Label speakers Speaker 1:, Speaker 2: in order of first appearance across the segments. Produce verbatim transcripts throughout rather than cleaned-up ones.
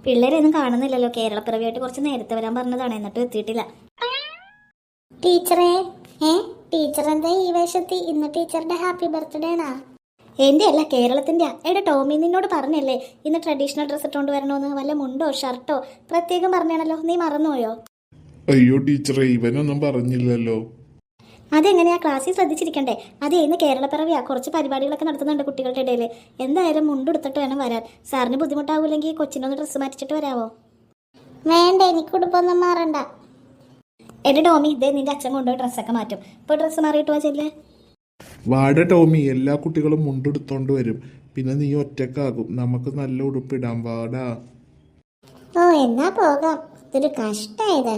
Speaker 1: പിള്ളേരെയൊന്നും കാണുന്നില്ലല്ലോ. കേരളപ്പിറവിയായിട്ട് കുറച്ച് നേരത്തെ വരാൻ പറഞ്ഞതാണ്, എന്നിട്ട് എത്തിയിട്ടില്ല.
Speaker 2: ടീച്ചറേ, ഏ ടീച്ചർ എന്താ ഈ വേഷത്തി? ഇന്ന് ടീച്ചറുടെ ഹാപ്പി ബർത്ത്ഡേ ആണാ?
Speaker 1: എൻ്റെ അല്ല, കേരളത്തിൻ്റെ. എടാ ടോമി, നിന്നോട് പറഞ്ഞല്ലേ ഇന്ന് ട്രഡീഷണൽ ഡ്രസ്സ് ഇട്ടുകൊണ്ട് വരണമെന്ന്? വല്ല മുണ്ടോ ഷർട്ടോ പ്രത്യേകം പറഞ്ഞാണല്ലോ, നീ മറന്നുപോയോ?
Speaker 3: അയ്യോ ടീച്ചറെ, ഇവനൊന്നും പറഞ്ഞില്ലല്ലോ.
Speaker 1: അതെങ്ങനെയാ, ക്ലാസ്സിൽ ശ്രദ്ധിച്ചിരിക്കണ്ടേ? അതേ, ഇന്ന് കേരളപ്പിറവിയാ, കുറച്ച് പരിപാടികളൊക്കെ നടത്തുന്നുണ്ട് കുട്ടികളുടെ ഇടയിൽ. എന്തായാലും മുണ്ടെടുത്തിട്ട് വേണം വരാൻ. സാറിന് ബുദ്ധിമുട്ടാവൂലെങ്കിൽ കൊച്ചിനൊന്ന് ഡ്രസ്സ് മാറ്റിച്ചിട്ട് വരാവോ?
Speaker 2: വേണ്ട, എനിക്ക് ഉടുപ്പൊന്നും മാറണ്ട.
Speaker 1: എന്റെ ടോമി, ഇതേ നിന്റെ അച്ഛൻ കൊണ്ടുപോയി ഡ്രസ്സൊക്കെ മാറ്റും. ഇപ്പോൾ ഡ്രസ്സ് മാറിയിട്ട് വാ ചെല്ലേ.
Speaker 3: വാട ടോമി, എല്ലാ കുട്ടികളും മുണ്ടെടുത്തോണ്ട് വരും. പിന്നെ നീ ഒറ്റക്കാകും. നമുക്ക് നല്ല ഉടുപ്പിടാം, വാടാ.
Speaker 2: ഓ, എന്നാ പോകാം. ഇതൊരു കഷ്ടായത്.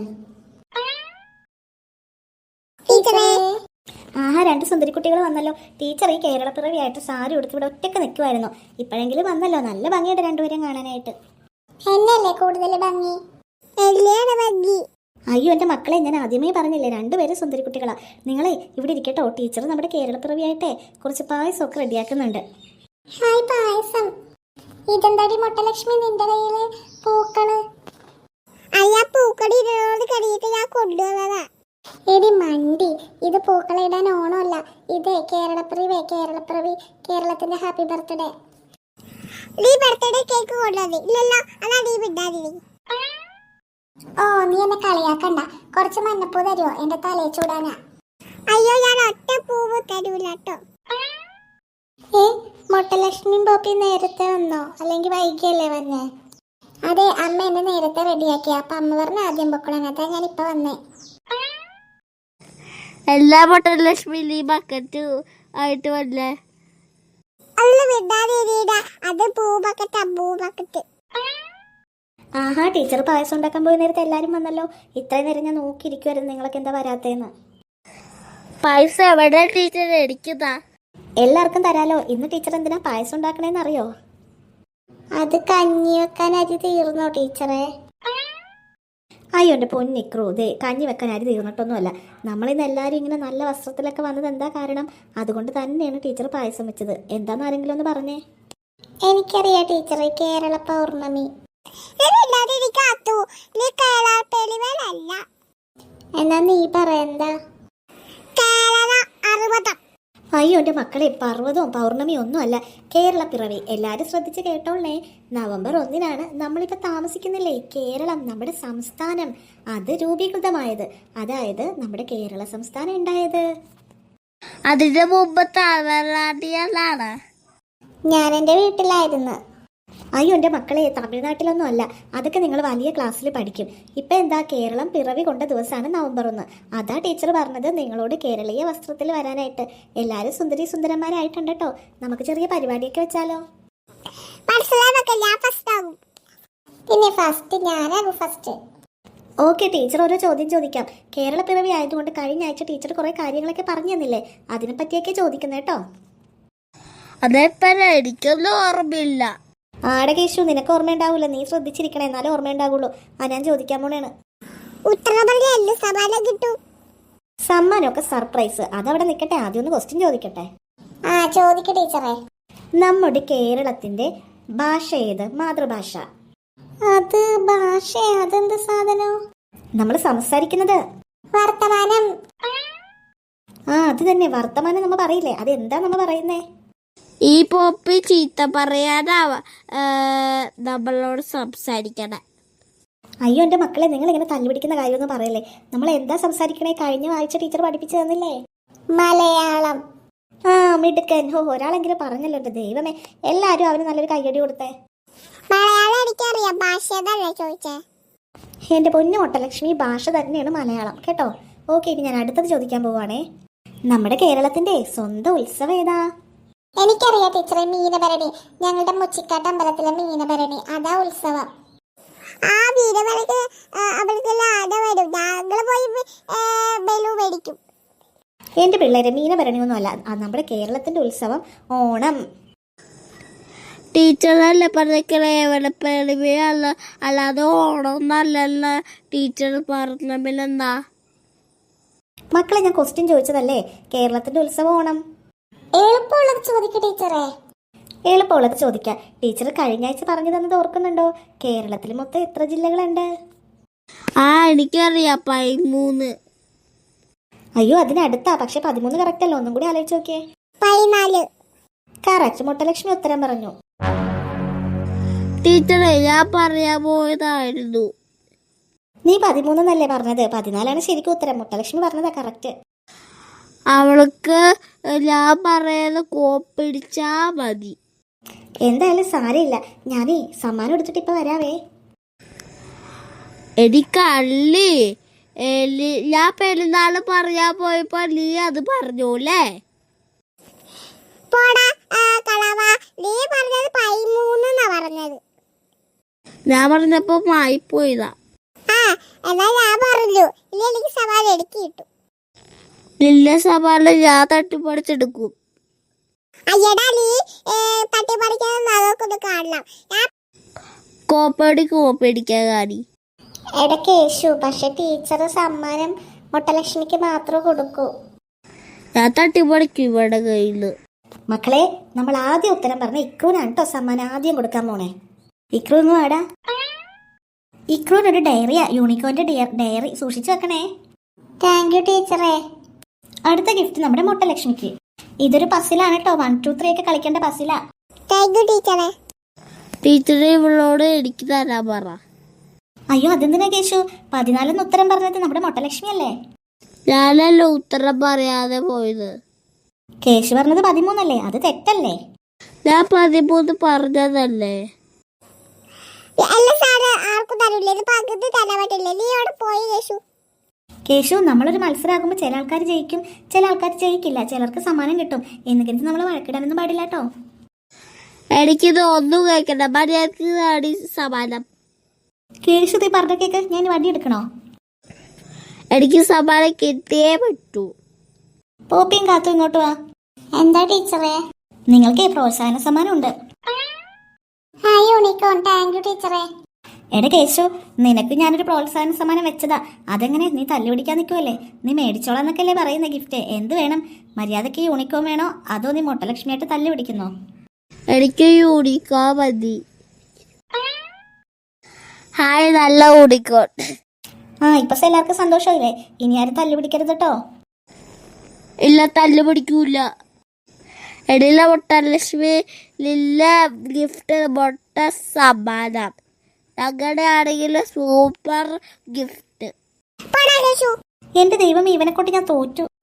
Speaker 1: ആഹാ, രണ്ട് സുന്ദരി കുട്ടികൾ വന്നല്ലോ. ടീച്ചർ ഈ കേരളപ്പിറവിയായിട്ട് സാരി ഉടുത്ത് ഇവിടെ ഒറ്റക്ക് നിൽക്കുമായിരുന്നു. ഇപ്പോഴെങ്കിലും വന്നല്ലോ. നല്ല ഭംഗിയുണ്ട് രണ്ടുപേരും കാണാനായിട്ട്.
Speaker 2: എന്നല്ലേ കൂടുതൽ ഭംഗി? ഭംഗി.
Speaker 1: അയ്യോ എൻ്റെ മക്കളെ, ഞാൻ ആദ്യമേ പറഞ്ഞില്ലേ, രണ്ടുപേരും സുന്ദരി കുട്ടികളാ. നിങ്ങളെ ഇവിടെ ഇരിക്കട്ടോ. ടീച്ചർ നമ്മുടെ കേരളപ്പിറവിയായിട്ടേ കുറച്ച് പായസമൊക്കെ റെഡിയാക്കുന്നുണ്ട്.
Speaker 2: ഹായ്, പായസം. ഇതെന്താടി മുട്ടലക്ഷ്മി നിന്റെ കയ്യില് പൂക്കള്? അയ്യാ, പൂക്കളി ഇരുന്നോട് കടിയിട്ട് ഞാൻ കൊണ്ടുവന്നതാ. എടി മണ്ടി, ഇത് പൂക്കളിടാൻ ഓണമല്ല. ഇത് കേരളപ്പിറവി. കേരളപ്പിറവി കേരളത്തിന്റെ ഹാപ്പി ബർത്ത്ഡേ. നീ ബർത്ത്ഡേ കേക്ക് കൊണ്ടുവന്നേ ഇല്ലല്ലോ? അതാ നീ വിടാതി. ഓ, നീ എന്നെ കളിയാക്കണ്ട. കുറച്ച് മഞ്ഞപ്പൂ തരുമോ എന്റെ തലയെ ചൂടാനാ? അയ്യോ, ഞാൻ ഒറ്റ പൂവ് തരൂല കേട്ടോ. ഏ, മുട്ടലക്ഷ്മി പോപ്പി നേരത്തെ വന്നോ അല്ലെങ്കിൽ വൈകിയല്ലേ വന്നേ? അതെ, അമ്മ എന്നെ നേരത്തെ റെഡിയാക്കി. അപ്പൊ അമ്മ പറഞ്ഞ ആദ്യം പൊക്കണം. അതാ ഞാൻ ഇപ്പൊ വന്നേ.
Speaker 4: എല്ലാ മുട്ടലക്ഷ്മി ഈ ബക്കറ്റ് ആയിട്ട് വല്ലേ?
Speaker 2: അല്ല, വിടാതിരിടാ. അത് പൂ ബക്കറ്റാ, പൂ ബക്കറ്റ്.
Speaker 1: ആഹാ, ടീച്ചർ പായസം ഉണ്ടാക്കാൻ പോയ നേരത്തെ എല്ലാവരും വന്നല്ലോ. ഇത്രയും നേരം ഞാൻ നോക്കിയിരിക്കുമായിരുന്നു നിങ്ങളൊക്കെ എന്താ വരാത്തേന്ന്.
Speaker 4: പായസം എവിടെ ടീച്ചർ എടുക്കുന്നതാ?
Speaker 1: എല്ലാവർക്കും തരാലോ. ഇന്ന് ടീച്ചർ എന്തിനാ പായസം ഉണ്ടാക്കണേന്ന് അറിയോ?
Speaker 2: അത് കഞ്ഞി വെക്കാൻ അരി തീർന്നോ ടീച്ചറെ?
Speaker 1: അയ്യോ എൻ്റെ പൊന്നിക്രൂ, ദേ കഞ്ഞി വെക്കാൻ അരി തീർന്നിട്ടൊന്നുമല്ല. നമ്മളിന്ന് എല്ലാവരും ഇങ്ങനെ നല്ല വസ്ത്രത്തിലൊക്കെ വന്നത് എന്താ കാരണം? അതുകൊണ്ട് തന്നെയാണ് ടീച്ചർ പായസം വെച്ചത്. എന്താന്ന് ആരെങ്കിലും ഒന്ന് പറഞ്ഞേ.
Speaker 2: എനിക്കറിയാം ടീച്ചറെ, കേരള പൗർണമി. എന്നാ നീ പറയണ്ട.
Speaker 1: അയ്യോ എൻ്റെ മക്കളെ, പർവ്വതവും പൗർണമിയും ഒന്നും അല്ല, കേരളപ്പിറവി. എല്ലാവരും ശ്രദ്ധിച്ച് കേട്ടോളേ. നവംബർ ഒന്നിനാണ് നമ്മളിപ്പോൾ താമസിക്കുന്നില്ലേ കേരളം, നമ്മുടെ സംസ്ഥാനം, അത് രൂപീകൃതമായത്. അതായത് നമ്മുടെ കേരള സംസ്ഥാനം ഉണ്ടായത്.
Speaker 4: അതിന്റെ മുമ്പ് തമിഴ്നാട്ടിലാണ്.
Speaker 2: ഞാൻ എൻ്റെ വീട്ടിലായിരുന്നു.
Speaker 1: അയ്യോ എൻ്റെ മക്കളെ, തമിഴ്നാട്ടിലൊന്നും അല്ല. അതൊക്കെ നിങ്ങൾ വലിയ ക്ലാസ്സിൽ പഠിക്കും. ഇപ്പം എന്താ, കേരളം പിറവി കൊണ്ട ദിവസമാണ് നവംബർ ഒന്ന്. അതാ ടീച്ചർ പറഞ്ഞത് നിങ്ങളോട് കേരളീയ വസ്ത്രത്തിൽ വരാനായിട്ട്. എല്ലാവരും സുന്ദരി സുന്ദരന്മാരായിട്ടുണ്ട് കേട്ടോ. നമുക്ക് ചെറിയ പരിപാടിയൊക്കെ വെച്ചാലോ?
Speaker 2: പിന്നെ ഫസ്റ്റ് ഞാനാകും ഫസ്റ്റ്.
Speaker 1: ഓക്കെ, ടീച്ചർ ഓരോ ചോദ്യം ചോദിക്കാം. കേരളപ്പിറവി ആയതുകൊണ്ട് കഴിഞ്ഞ ആഴ്ച ടീച്ചർ കുറേ കാര്യങ്ങളൊക്കെ പറഞ്ഞു തന്നില്ലേ, അതിനെ പറ്റിയൊക്കെ ചോദിക്കുന്നത് കേട്ടോ.
Speaker 4: അതെപ്പോ എനിക്കൊന്നും ഓർമ്മയില്ല.
Speaker 1: ആടെ കേശു, നിനക്ക് ഓർമ്മയുണ്ടാവൂല. നീ ശ്രദ്ധിച്ചിരിക്കണേ, എന്നാലും ഓർമ്മയുണ്ടാകുള്ളൂ. ആ, ഞാൻ ചോദിക്കാൻ പോണേണ്. സമ്മാനമൊക്കെ സർപ്രൈസ്, അതവിടെ നിൽക്കട്ടെ. ആദ്യം ഒന്ന് ക്വസ്റ്റ്യൻ ചോദിക്കട്ടെ.
Speaker 2: ആ, ചോദിക്ക ടീച്ചറെ.
Speaker 1: നമ്മുടെ കേരളത്തിന്റെ ഭാഷ ഏത്? മാതൃഭാഷ.
Speaker 2: അത് ഭാഷ? അതെന്ത് സാധനം?
Speaker 1: നമ്മൾ സംസാരിക്കുന്നത്
Speaker 2: വർത്തമാനം.
Speaker 1: ആ, അത് തന്നെ, വർത്തമാനം നമ്മൾ പറയില്ലേ, അതെന്താ നമ്മൾ പറയുന്നേ?
Speaker 4: ഈ പോപ്പി ചീത്ത പറയാനാവ നമ്മളോട് സംസാരിക്കണേ.
Speaker 1: അയ്യോ എൻ്റെ മക്കളെ, നിങ്ങൾ ഇങ്ങനെ തല്ലുപിടിക്കുന്ന കാര്യമൊന്നും പറയല്ലേ. നമ്മൾ എന്താ സംസാരിക്കണേ? കഴിഞ്ഞ ആഴ്ച ടീച്ചർ പഠിപ്പിച്ചു തന്നില്ലേ,
Speaker 2: മലയാളം.
Speaker 1: ആ, മിടുക്കൻ. ഹോ, ഒരാളെങ്കിലും പറഞ്ഞല്ലോ. എൻ്റെ ദൈവമേ, എല്ലാവരും അവന് നല്ലൊരു കയ്യടി കൊടുത്തേ.
Speaker 2: മലയാളം എനിക്കറിയാം, ഭാഷ തന്നെ ചോദിച്ചേ.
Speaker 1: എൻ്റെ പൊന്നു മുട്ടലക്ഷ്മി, ഭാഷ തന്നെയാണ് മലയാളം കേട്ടോ. ഓക്കെ, ഇനി ഞാൻ അടുത്തത് ചോദിക്കാൻ പോവാണേ. നമ്മുടെ കേരളത്തിന്റെ സ്വന്തം ഉത്സവം ഏതാ?
Speaker 2: എനിക്കറിയാം ടീച്ചറെ, മീനഭരണി. ഞങ്ങളുടെ മുച്ചിക്കാട്ട് അമ്പലത്തിലെ മീനഭരണി, അതാ ഉത്സവം. ആ മീനഭരണിക്ക് അമ്പലത്തിലെ ആന വരും, ഞങ്ങൾ പോയി ബലു മേടിക്കും.
Speaker 1: എൻ്റെ പിള്ളേരെ, മീനഭരണിയൊന്നും അല്ല, നമ്മുടെ കേരളത്തിന്റെ ഉത്സവം ഓണം.
Speaker 4: ടീച്ചറല്ലേ പറഞ്ഞേക്കണേ എവിടെപ്പിറവിയല്ല, അല്ലാതെ ഓണം നല്ലല്ല ടീച്ചർ പറഞ്ഞ. പിന്നെന്താ
Speaker 1: മക്കളെ, ഞാൻ ക്വസ്റ്റ്യൻ ചോദിച്ചതല്ലേ, കേരളത്തിന്റെ ഉത്സവം ഓണം.
Speaker 2: എളുപ്പമുള്ളത് ചോദിക്ക ടീച്ചറെ.
Speaker 1: എളുപ്പമുള്ളത് ചോദിക്കാം. ടീച്ചർ കഴിഞ്ഞ ആഴ്ച പറഞ്ഞു തന്നത് ഓർക്കുന്നുണ്ടോ? കേരളത്തിൽ മൊത്തം എത്ര ജില്ലകളുണ്ട്?
Speaker 4: ആ എനിക്കറിയാം, പതിമൂന്ന്.
Speaker 1: അയ്യോ അതിനടുത്താ, പക്ഷെ പതിമൂന്ന് കറക്റ്റ് അല്ല. ഒന്നും കൂടി ആലോചിച്ച് നോക്കിയേ.
Speaker 2: പതിനാല്.
Speaker 1: കറക്റ്റ്. മുട്ടലക്ഷ്മി ഉത്തരം പറഞ്ഞു.
Speaker 4: ടീച്ചറെ ഞാൻ പറയാൻ പോയതായിരുന്നു.
Speaker 1: നീ പതിമൂന്നല്ലേ പറഞ്ഞത്? പതിനാലാണ് ശരിക്കും ഉത്തരം. മുട്ടലക്ഷ്മി പറഞ്ഞതാ കറക്റ്റ്.
Speaker 4: അവൾക്ക് ഞാൻ പറയുന്ന കോപ്പിടിച്ചാ മതി.
Speaker 1: എന്തായാലും സാരമില്ല. ഞാനേ സമ്മാനം എടുത്തിട്ട് ഇപ്പൊ വരാവേ.
Speaker 4: എനിക്കല്ലേ ഞാൻ പെരുന്നാള് പറയാൻ പോയപ്പോ നീ അത് പറഞ്ഞോല്ലേ?
Speaker 2: പോടാ കളവ, നീ പറഞ്ഞത് പതിമൂന്നാ പറഞ്ഞത്.
Speaker 4: ഞാൻ പറഞ്ഞപ്പോ മായിപ്പോയതാ.
Speaker 2: ആ എന്നാ ഞാൻ പറഞ്ഞു, ഇല്ല എനിക്ക് സവാൽ എടുക്കി കിട്ടും.
Speaker 4: നിന്റെ സവാള് ഞാൻ തട്ടിപ്പറിച്ചെടുക്കും.
Speaker 2: അയ്യടാ നീ തട്ടിപ്പറിക്കാൻ അതൊക്കെ കാണണം. ഞാൻ
Speaker 4: കോപ്പടി കോപ്പടിക്കാൻ കാണി.
Speaker 1: ഇടയ്ക്ക് യേശു, പക്ഷെ ടീച്ചർ സമ്മാനം മുട്ടലക്ഷ്മിക്ക് മാത്രമേ കൊടുക്കൂ.
Speaker 4: ഞാൻ തട്ടിപ്പറിക്കും ഇവിടെ കയ്യില്.
Speaker 1: മക്കളെ, നമ്മൾ ആദ്യം ഉത്തരം പറഞ്ഞ ഇക്രൂനാണ് കേട്ടോ സമ്മാനം ആദ്യം കൊടുക്കാൻ പോണേ. ഇക്രൂ ഒന്ന് വാടാ. ഇക്രൂനൊരു ഡയറിയാ, യൂണിക്കോന്റെ ഡയറി സൂക്ഷിച്ചു വെക്കണേ. താങ്ക് യു ടീച്ചറേ. അടുത്ത ഗിഫ്റ്റ് നമ്മുടെ മുട്ടലക്ഷ്മിക്ക്. ഇതൊരു പസിലാണ് കേട്ടോ. വൺ ടു ത്രീ ഒക്കെ കളിക്കേണ്ട പസിലാ.
Speaker 2: താങ്ക് യു ടീച്ചറെ.
Speaker 4: ടീച്ചറെ ഇവളോട് എനിക്ക് തരാൻ പറ.
Speaker 1: അയ്യോ അതെന്തിനാ കേശു? പതിനാലെന്ന് ഉത്തരം പറഞ്ഞത് നമ്മുടെ മുട്ടലക്ഷ്മി അല്ലേ?
Speaker 4: ഞാനല്ല ഉത്തരം പറയാതെ പോയത്.
Speaker 1: കേശു പറഞ്ഞത് പതിമൂന്നല്ലേ? അത് തെറ്റല്ലേ?
Speaker 4: ഞാൻ പതിമൂന്ന് പറഞ്ഞതല്ലേ?
Speaker 2: അല്ല സാറ്, ആർക്കും തരില്ല. ഇത് പകുതി തരാൻ പറ്റില്ല. നീ അവിടെ പോയി കേശു.
Speaker 1: കേശു, നമ്മളൊരു മത്സരമാകുമ്പോൾ ചില ആൾക്കാർ ജയിക്കും, ചില ആൾക്കാർ ജയിക്കില്ല. ചിലർക്ക് സമ്മാനം കിട്ടും. എന്നെങ്കിലും നമ്മൾ വഴക്കിടാനൊന്നും പാടില്ല കേട്ടോ.
Speaker 4: എനിക്കിത് ഒന്നും കേൾക്കണ്ട. മര്യാദക്ക് സമ്മാനം.
Speaker 1: കേശു തീ പറഞ്ഞ കേക്ക്. ഞാൻ വടി എടുക്കണോ?
Speaker 4: എനിക്ക് സമ്മാനം കിട്ടിയേ പറ്റൂ.
Speaker 1: പോപ്പിയും കാത്തു ഇങ്ങോട്ട് വാ.
Speaker 2: എന്താ ടീച്ചറെ?
Speaker 1: നിങ്ങൾക്ക് പ്രോത്സാഹന സമ്മാനം ഉണ്ട്.
Speaker 2: Hi unicorn. താങ്ക് യു ടീച്ചറെ.
Speaker 1: എടാ കേശു, നിനക്ക് ഞാനൊരു പ്രോത്സാഹന സമ്മാനം വെച്ചതാ. അതെങ്ങനെ നീ തല്ലുപിടിക്കാൻ നിൽക്കുമല്ലേ? നീ മേടിച്ചോളാന്നൊക്കെ അല്ലേ പറയുന്ന ഗിഫ്റ്റ്? എന്ത് വേണം? മര്യാദയ്ക്ക് യൂണിക്കോൺ വേണോ അതോ നീ മുട്ടലക്ഷ്മിയായിട്ട് തല്ലു പിടിക്കുന്നോ?
Speaker 4: എനിക്ക് യൂണിക്കോൺ മതി. ഹായ്, നല്ല യൂണിക്കോൺ.
Speaker 1: ആ ഇപ്പൊ എല്ലാവർക്കും സന്തോഷമില്ലേ? ഇനി ആരും തല്ലു പിടിക്കരുത് കേട്ടോ.
Speaker 4: ഇല്ല, തല്ലു പിടിക്കൂല. എടില്ല മുട്ടലക്ഷ്മി, നില്ല ഗിഫ്റ്റ് മുട്ട സമ്മാനം. ഞങ്ങളുടെ ആണെങ്കിൽ സൂപ്പർ ഗിഫ്റ്റ്.
Speaker 1: എന്റെ ദൈവം, ഇവനെ കൊണ്ട് ഞാൻ തോറ്റു.